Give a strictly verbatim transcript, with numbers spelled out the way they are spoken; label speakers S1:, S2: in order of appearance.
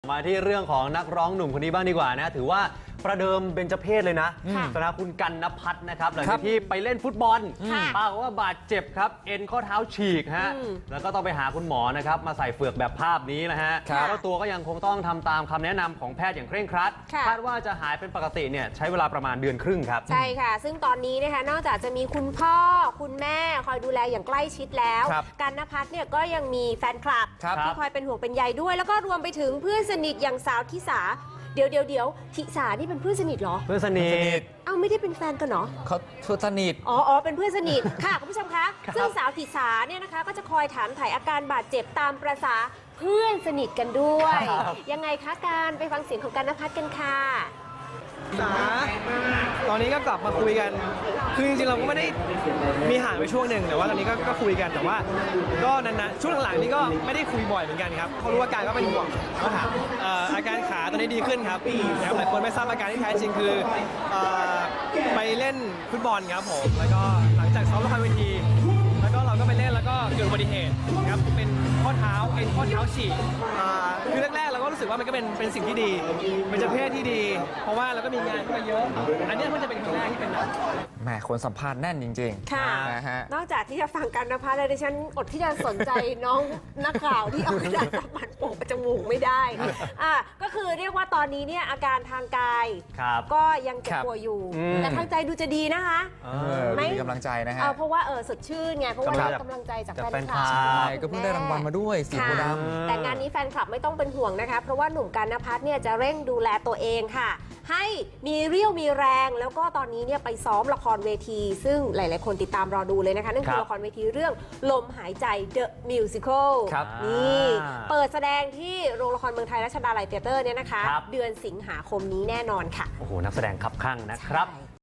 S1: มาที่เรื่องของนักร้องหนุ่มคนนี้บ้างดีกว่านะถือว่าประเดิมเบญจเพศเลยนะสำหรับคุณกันณภัทรนะครับหลังจากที่ไปเล่นฟุตบอลปรากฏว่าบาดเจ็บครับเอ็นข้อเท้าฉีกฮะแล้วก็ต้องไปหาคุณหมอนะครับมาใส่เฟือกแบบภาพนี้นะฮะแล้วตัวก็ยังคงต้องทำตามคำแนะนำของแพทย์อย่างเคร่งครัดคาดว่าจะหายเป็นปกติเนี่ยใช้เวลาประมาณเดือนครึ่งครับ
S2: ใช่ค่ะซึ่งตอนนี้นะคะนอกจากจะมีคุณพ่อคุณแม่คอยดูแลอย่างใกล้ชิดแล้วกันณภัทรเนี่ยก็ยังมีแฟนคลับที่คอยเป็นห่วงเป็นใยด้วยแล้วก็รวมไปถึงเพื่อนสนิทอย่างสาวทิสาเดี๋ยวเดี๋ยวเดี๋ยวทิสานี่เป็นเพื่อนสนิทเหรอ
S1: เพื่อนสนิท
S2: เอ้าไม่ได้เป็นแฟนกันเหรอ
S3: เขาเพื่อนสนิท
S2: อ๋ออ๋อเป็นเพื่อนสนิทค่ะคุณผู้ชมคะซึ่งสาวทิสาเนี่ยนะคะก็จะคอยถามถ่ายอาการบาดเจ็บตามประสาเพื่อนสนิทกันด้วยยังไงคะการไปฟังเสียงของกันณภัทรกันค่ะ
S4: สาตอนนี้ก็กลับมาคุยกันคือจริงๆเราก็ไม่ได้มีห่างไปช่วงหนึ่งแต่ว่าตอนนี้ก็ก็คุยกันแต่ว่าก็นานๆช่วงหลังๆนี้ก็ไม่ได้คุยบ่อยเหมือนกันครับเขารู้อาการก็เป็นห่วงก็ถามอาการขาตอนนี้ดีขึ้นครับนะครับหลายคนไม่ทราบอาการที่แท้จริงคือไปเล่นฟุตบอลครับผมแล้วก็หลังจากซ้อมละครเวทีแล้วก็เราก็ไปเล่นแล้วก็เกิดอุบัติเหตุครับเป็นข้อเท้าเอ็นข้อเท้าฉีกคือแรกๆเราก็รู้สึกว่ามันก็เป็นเป็นสิ่งที่ดีเป็นเจ้าเพศที่ดีเพราะว่าเราก็มีงานเข้ามาเยอะอันนี้มันจะเป็นครั้งแรกที่เป็นแบบ
S3: แหมคนสัมภาษณ์แน่นจริง
S2: ๆค่ะนะฮะนอกจากที่จะฟังกันณภัทรแล้วดิฉันอดที่จะสนใจน้องนักข่าวที่เอากระดาษซับมันโปะจมูกไม่ได้อ่ะก็คือเรียกว่าตอนนี้เนี่ยอาการทางกายก็ยังเจ็บปวดอยู่แต่ทางใจดูจะดีนะคะ
S3: ไม่มีกำลังใจนะฮะ
S2: เพราะว่าเออสดชื่นไงเพราะว่าได้กำลังใจจากแฟนคลับ
S3: ใช่ก็เพิ่งได้รางวัลมาด้วยสีโพธิ์ด
S2: ำแต่งานนี้แฟนคลับไม่ต้องเป็นห่วงนะคะเพราะว่าหนุ่มกันณภัทรเนี่ยจะเร่งดูแลตัวเองค่ะให้มีเรี่ยวมีแรงแล้วก็ตอนนี้เนี่ยไปซ้อมละครเวที ซึ่งหลายๆคนติดตามรอดูเลยนะคะนั่นคือละครเวทีเรื่องลมหายใจ The Musical นี่เปิดแสดงที่โรงละครเมืองไทยรัชดาลัยเธียเตอร์เนี่ยนะคะเดือนสิงหาคมนี้แน่นอนค่ะ
S1: โอ้โหนักแสดงคับคั่งนะครับ